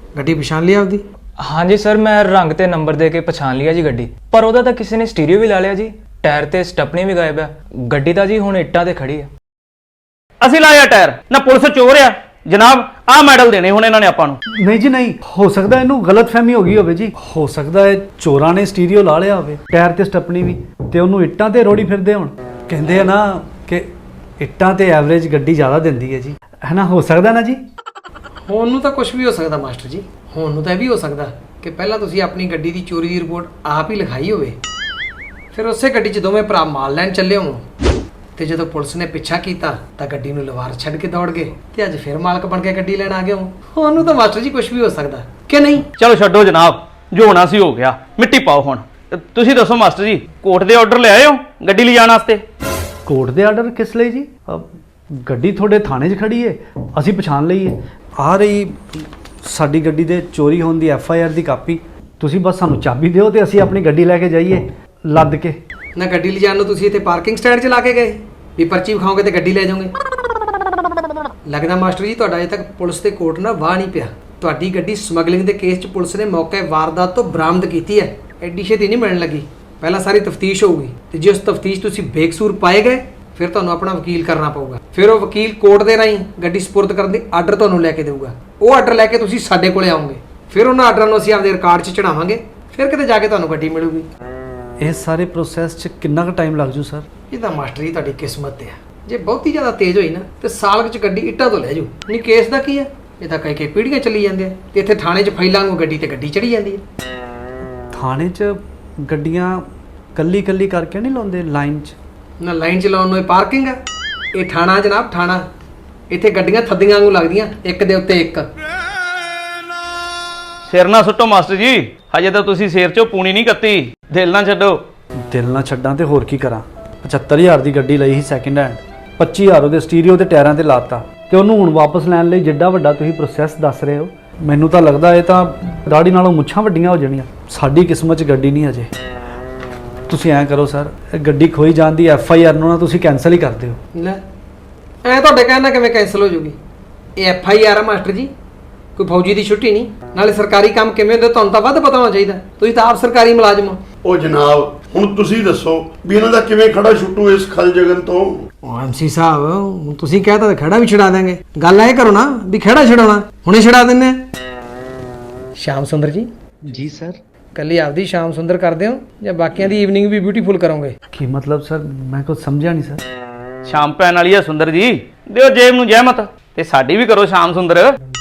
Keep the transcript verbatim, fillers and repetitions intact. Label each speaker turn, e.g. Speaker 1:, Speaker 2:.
Speaker 1: ਗੱਡੀ ਪਛਾਣ ਲਈ ਆਪਦੀ?
Speaker 2: हाँ जी सर, मैं रंग ते नंबर दे के पछाण लिया जी गड्डी, पर ओदा तां किसी ने स्टीरियो भी ला लिया जी, टायर ते स्टपनी भी गायब है, गड्डी तां जी हुण इट्टां ते खड़ी है।
Speaker 3: ਅਸੀਂ ਲਾਇਆ ਟਾਇਰ ਨਾ, ਪੁਲਿਸ ਚੋਰ ਆ ਜਨਾਬ। ਆਹ ਮੈਡਲ ਦੇਣੇ ਹੁਣ ਇਹਨਾਂ ਨੇ ਆਪਾਂ ਨੂੰ।
Speaker 4: ਨਹੀਂ ਜੀ ਨਹੀਂ, ਹੋ ਸਕਦਾ ਇਹਨੂੰ ਗਲਤਫਹਿਮੀ ਹੋ ਗਈ ਹੋਵੇ ਜੀ। ਹੋ ਸਕਦਾ ਹੈ ਚੋਰਾਂ ਨੇ ਸਟੀਰੀਓ ਲਾ ਲਿਆ ਹੋਵੇ, ਟਾਇਰ ਤੇ ਸਟੱਪਣੀ ਵੀ, ਤੇ ਉਹਨੂੰ ਇੱਟਾਂ ਤੇ ਰੋੜੀ ਫਿਰਦੇ ਹੁਣ। ਕਹਿੰਦੇ ਆ ਨਾ ਕਿ ਇੱਟਾਂ ਤੇ ਐਵਰੇਜ ਗੱਡੀ ਜ਼ਿਆਦਾ ਦਿੰਦੀ ਹੈ ਜੀ, ਹੈ ਨਾ? ਹੋ ਸਕਦਾ ਨਾ ਜੀ।
Speaker 1: ਹੋਣ ਨੂੰ ਤਾਂ ਕੁਝ ਵੀ ਹੋ ਸਕਦਾ ਮਾਸਟਰ ਜੀ। ਹੋਣ ਨੂੰ ਤਾਂ ਇਹ ਵੀ ਹੋ ਸਕਦਾ ਕਿ ਪਹਿਲਾਂ ਤੁਸੀਂ ਆਪਣੀ ਗੱਡੀ ਦੀ ਚੋਰੀ ਦੀ ਰਿਪੋਰਟ ਆਪ ਹੀ ਲਿਖਾਈ ਹੋਵੇ, ਫਿਰ ਉਸੇ ਗੱਡੀ 'ਚ ਦੋਵੇਂ ਭਰਾ ਮਾਲ ਲੈਣ ਚੱਲੇ ਹੋਣ, ਤੇ ਜਦੋਂ ਪੁਲਿਸ ਨੇ ਪਿੱਛਾ ਕੀਤਾ ਤਾਂ ਗੱਡੀ ਨੂੰ ਲਵਾਰ ਛੱਡ ਕੇ ਦੌੜ ਗਏ ਤੇ ਅੱਜ ਫਿਰ ਮਾਲਕ ਬਣ ਕੇ ਗੱਡੀ ਲੈਣ ਆ ਗਏ ਹੋ। ਹੋਣ ਨੂੰ ਤਾਂ ਮਾਸਟਰ ਜੀ ਕੁਝ ਵੀ ਹੋ ਸਕਦਾ ਕਿ ਨਹੀਂ?
Speaker 3: ਚਲੋ ਛੱਡੋ ਜਨਾਬ, ਜੋ ਹੋਣਾ ਸੀ ਹੋ ਗਿਆ, ਮਿੱਟੀ ਪਾਓ ਹੁਣ। ਤੁਸੀਂ ਦੱਸੋ ਮਾਸਟਰ ਜੀ, ਕੋਰਟ ਦੇ ਆਰਡਰ ਲੈ ਆਏ ਹੋ ਗੱਡੀ ਲਿਜਾਣ ਵਾਸਤੇ?
Speaker 4: ਕੋਰਟ ਦੇ ਆਰਡਰ ਕਿਸ ਲਈ ਜੀ? ਅਹ ਗੱਡੀ ਤੁਹਾਡੇ ਥਾਣੇ 'ਚ ਖੜੀ ਹੈ, ਅਸੀਂ ਪਛਾਣ ਲਈ ਹੈ। ਆ ਰਹੀ ਸਾਡੀ ਗੱਡੀ ਦੇ ਚੋਰੀ ਹੋਣ ਦੀ ਐਫ ਆਈ ਆਰ ਦੀ ਕਾਪੀ। ਤੁਸੀਂ ਬਸ ਸਾਨੂੰ ਚਾਬੀ ਦਿਓ ਤੇ ਅਸੀਂ ਆਪਣੀ ਗੱਡੀ ਲੈ ਕੇ ਜਾਈਏ ਲੱਦ ਕੇ।
Speaker 1: ਨਾ ਗੱਡੀ ਲਿਜਾਣ ਨੂੰ ਤੁਸੀਂ ਇੱਥੇ ਪਾਰਕਿੰਗ ਸਟੈਂਡ 'ਚ ਲਾ ਕੇ ਗਏ ਵੀ ਪਰਚੀ ਵਿਖਾਓਗੇ ਤੇ ਗੱਡੀ ਲੈ ਜਾਓਗੇ? ਲੱਗਦਾ ਮਾਸਟਰ ਜੀ ਤੁਹਾਡਾ ਅਜੇ ਤੱਕ ਪੁਲਿਸ ਤੇ ਕੋਰਟ ਨਾਲ ਵਾਹ ਨਹੀਂ ਪਿਆ। ਤੁਹਾਡੀ ਗੱਡੀ ਸਮਗਲਿੰਗ ਦੇ ਕੇਸ 'ਚ ਪੁਲਿਸ ਨੇ ਮੌਕੇ ਵਾਰਦਾਤ ਤੋਂ ਬਰਾਮਦ ਕੀਤੀ ਹੈ, ਐਡੀ ਛੇਤੀ ਨਹੀਂ ਮਿਲਣ ਲੱਗੀ। ਪਹਿਲਾਂ ਸਾਰੀ ਤਫਤੀਸ਼ ਹੋਊਗੀ ਤੇ ਜੇ ਉਸ ਤਫਤੀਸ਼ ਤੁਸੀਂ ਬੇਕਸੂਰ ਪਾਏ ਗਏ ਫਿਰ ਤੁਹਾਨੂੰ ਆਪਣਾ ਵਕੀਲ ਕਰਨਾ ਪਊਗਾ। ਫਿਰ ਉਹ ਵਕੀਲ ਕੋਰਟ ਦੇ ਰਾਹੀਂ ਗੱਡੀ ਸਪੁਰਦ ਕਰਨ ਦੀ ਆਰਡਰ ਤੁਹਾਨੂੰ ਲੈ ਕੇ ਦੇਊਗਾ। ਉਹ ਆਰਡਰ ਲੈ ਕੇ ਤੁਸੀਂ ਸਾਡੇ ਕੋਲੇ ਆਓਗੇ, ਫਿਰ ਉਹਨਾਂ ਆਰਡਰਾਂ ਨੂੰ ਅਸੀਂ ਆਪਦੇ ਰਿਕਾਰਡ 'ਚ ਚੜਾਵਾਂਗੇ, ਫਿਰ ਕਿਤੇ ਜਾ ਕੇ ਤੁਹਾਨੂੰ ਗੱਡੀ ਮਿਲੂਗੀ।
Speaker 4: ਇਸ ਸਾਰੇ ਪ੍ਰੋਸੈਸ 'ਚ ਕਿੰਨਾ ਕੁ ਟਾਈਮ ਲੱਗ ਜੂ ਸਰ?
Speaker 1: ਇਹ ਤਾਂ ਮਾਸਟਰ ਜੀ ਤੁਹਾਡੀ ਕਿਸਮਤ ਤੇ ਆ। ਜੇ ਬਹੁਤੀ ਜ਼ਿਆਦਾ ਤੇਜ਼ ਹੋਈ ਨਾ ਤੇ ਸਾਲ ਕੁ 'ਚ ਗੱਡੀ ਇੱਟਾਂ ਤੋਂ ਲੈ ਜੂ। ਨਹੀਂ ਕੇਸ ਦਾ ਕੀ ਹੈ, ਇਹ ਤਾਂ ਕਈ ਕਈ ਪੀੜ੍ਹੀਆਂ ਚੱਲੀ ਜਾਂਦੇ ਆ ਤੇ ਇੱਥੇ ਥਾਣੇ 'ਚ ਫਾਈਲਾਂ ਨੂੰ ਗੱਡੀ ਤੇ ਗੱਡੀ ਚੜੀ ਜਾਂਦੀ ਹੈ।
Speaker 4: ਥਾਣੇ 'ਚ ਗੱਡੀਆਂ ਕੱਲੀ ਕੱਲੀ ਕਰਕੇ ਨਹੀਂ ਲਾਉਂਦੇ ਲਾਈਨ 'ਚ?
Speaker 1: ਨਾ ਲਾਈਨ 'ਚ ਲਾਉਣ ਨੂੰ ਇਹ ਪਾਰਕਿੰਗ ਆ, ਇਹ ਥਾਣਾ ਜਨਾਬ, ਥਾਣਾ। ਇੱਥੇ ਗੱਡੀਆਂ ਥੱਦੀਆਂ ਵਾਂਗੂ ਲੱਗਦੀਆਂ, ਇੱਕ ਦੇ ਉੱਤੇ ਇੱਕ।
Speaker 3: ਸਿਰ ਨਾ ਸੁੱਟੋ ਮਾਸਟਰ ਜੀ, ਹਜੇ ਤਾਂ ਤੁਸੀਂ ਸਿਰ 'ਚੋਂ ਪੂਣੀ ਨਹੀਂ ਕੱਤੀ। ਦਿਲ ਨਾ ਛੱਡੋ।
Speaker 4: ਦਿਲ ਨਾ ਛੱਡਾਂ ਤੇ ਹੋਰ ਕੀ ਕਰਾਂ? ਪਝੱਤਰ ਹਜ਼ਾਰ ਦੀ ਗੱਡੀ ਲਈ ਸੀ ਸੈਕਿੰਡ ਹੈਂਡ, ਪੱਚੀ ਹਜ਼ਾਰ ਉਹਦੇ ਸਟੀਰੀਓ ਤੇ ਟਾਇਰਾਂ ਤੇ ਲਾਤਾ, ਤੇ ਉਹਨੂੰ ਹੁਣ ਵਾਪਸ ਲੈਣ ਲਈ ਜਿੱਡਾ ਵੱਡਾ ਤੁਸੀਂ ਪ੍ਰੋਸੈਸ ਦੱਸ ਰਹੇ ਹੋ, ਮੈਨੂੰ ਤਾਂ ਲੱਗਦਾ ਇਹ ਤਾਂ ਦਾੜੀ ਨਾਲੋਂ ਮੁੱਛਾਂ ਵੱਡੀਆਂ ਹੋ ਜਾਣੀਆਂ। ਸਾਡੀ ਕਿਸਮਤ 'ਚ ਗੱਡੀ ਨਹੀਂ ਅਜੇ। ਤੁਸੀਂ ਐਂ ਕਰੋ ਸਰ, ਇਹ ਗੱਡੀ ਖੋਈ ਜਾਣ ਦੀ ਐਫ ਆਈ ਆਰ ਨੂੰ ਨਾ ਤੁਸੀਂ ਕੈਂਸਲ ਹੀ ਕਰ ਦਿਓ।
Speaker 1: ਲੈ ਐ ਤੁਹਾਡੇ ਕਹਿਣ ਨਾਲ ਕਿਵੇਂ ਕੈਂਸਲ ਹੋ ਜੂਗੀ? ਇਹ ਐਫ ਆਈ ਆਰ ਆ ਮਾਸਟਰ ਜੀ, ਕੋਈ ਫੌਜੀ ਦੀ ਛੁੱਟੀ ਨਹੀਂ। ਨਾਲੇ ਸਰਕਾਰੀ ਕੰਮ ਕਿਵੇਂ ਹੁੰਦੇ ਤੁਹਾਨੂੰ ਤਾਂ ਵੱਧ ਪਤਾ ਹੋਣਾ ਚਾਹੀਦਾ, ਤੁਸੀਂ ਤਾਂ ਆਪ ਸਰਕਾਰੀ ਮੁਲਾਜ਼ਮ ਹੋ।
Speaker 5: ਉਹ ਜਨਾਬ ਹੁਣ ਤੁਸੀਂ ਦੱਸੋ ਵੀ ਇਹਨਾਂ ਦਾ ਕਿਵੇਂ ਖੜਾ ਛੁੱਟੂ ਇਸ ਖਲ ਜਗਨ ਤੋਂ?
Speaker 1: ਉਹ ਐਮ ਸੀ ਸਾਹਿਬ, ਹੁਣ ਤੁਸੀਂ ਕਹਿਤਾ ਤਾਂ ਖੜਾ ਵੀ ਛਡਾ ਦਾਂਗੇ। ਗੱਲ ਇਹ ਕਰੋ ਨਾ ਵੀ ਖੜਾ ਛਡਾਉਣਾ, ਹੁਣੇ ਛਡਾ ਦਿੰਦੇ ਆ। ਸ਼ਾਮ ਸੁੰਦਰ ਜੀ।
Speaker 4: ਜੀ ਸਰ।
Speaker 1: ਕੱਲੀ ਆਪਦੀ ਸ਼ਾਮ ਸੁੰਦਰ ਕਰਦੇ ਹੋ ਜਾਂ ਬਾਕੀਆਂ ਦੀ ਈਵਨਿੰਗ ਵੀ ਬਿਊਟੀਫੁਲ ਕਰੋਗੇ?
Speaker 4: ਕੀ ਮਤਲਬ ਸਰ? ਮੈਂ ਕੁਝ ਸਮਝਿਆ ਨਹੀਂ ਸਰ।
Speaker 3: ਸ਼ਾਮ ਪੈਣ ਵਾਲੀ ਆ ਸੁੰਦਰ ਜੀ, ਦਿਓ ਜੇਬ ਨੂੰ ਜਹਿਮਤ ਤੇ ਸਾਡੀ ਵੀ ਕਰੋ ਸ਼ਾਮ ਸੁੰਦਰ।